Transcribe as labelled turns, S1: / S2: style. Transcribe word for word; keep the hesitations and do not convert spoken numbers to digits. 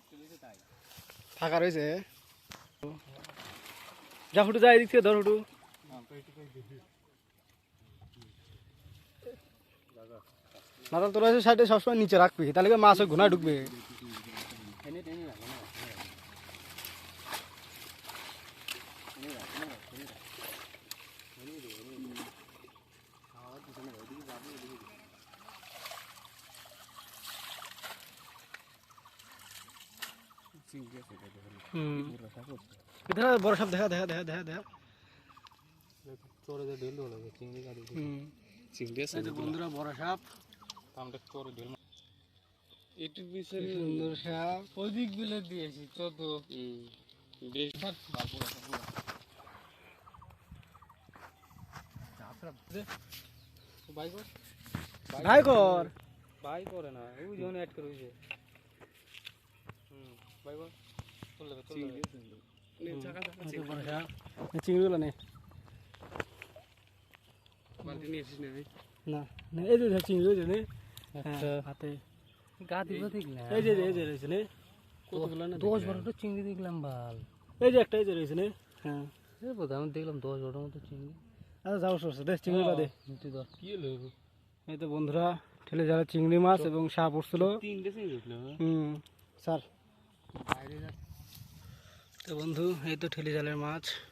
S1: ফাঁকা রয়েছে যা ফুটু যায় এদিক থেকে ধর ফুটু মাতাল তোরা সাইডে সবসময় নিচে রাখবি তাহলে মাছ ওই ঘুনায় ঢুকবে বড় সব দেখা দেখা দেখা দেখা দেখা বন্ধুরা বড় সাপ সুন্দর সাপ অধিক বিলে দিয়েছি চোদ্দ ভাই কর ভাই করে না ওই জন্য অ্যাড করে হইছে হুম ভাই কর চলে চলে নে চাকা চাকা বড় সাপ চিংড়িগুলো নে বালতি নিয়ে এসিস না না না এই যে চিংড়ি ওই যে নে আচ্ছা হাতে গা দিব দেখলা এই যে এই যে রইছে নে কতগুলো না দশ বারোটা চিংড়ি দেখলাম বাল এই যে একটা এই যে রইছে নে হ্যাঁ এই বোধ আমি দেখলাম দশ বারোটার মতো চিংড়ি আচ্ছা যাও সরছে দে চিংড়িটা দে তুই ধর কি হলো এই তো বন্ধুরা ঠেলে যারা চিংড়ি মাছ এবং সাপ উঠছিল তিনটে চিংড়ি উঠলো হুম স্যার বাইরে তো বন্ধু এই তো ঠেলে জালের মাছ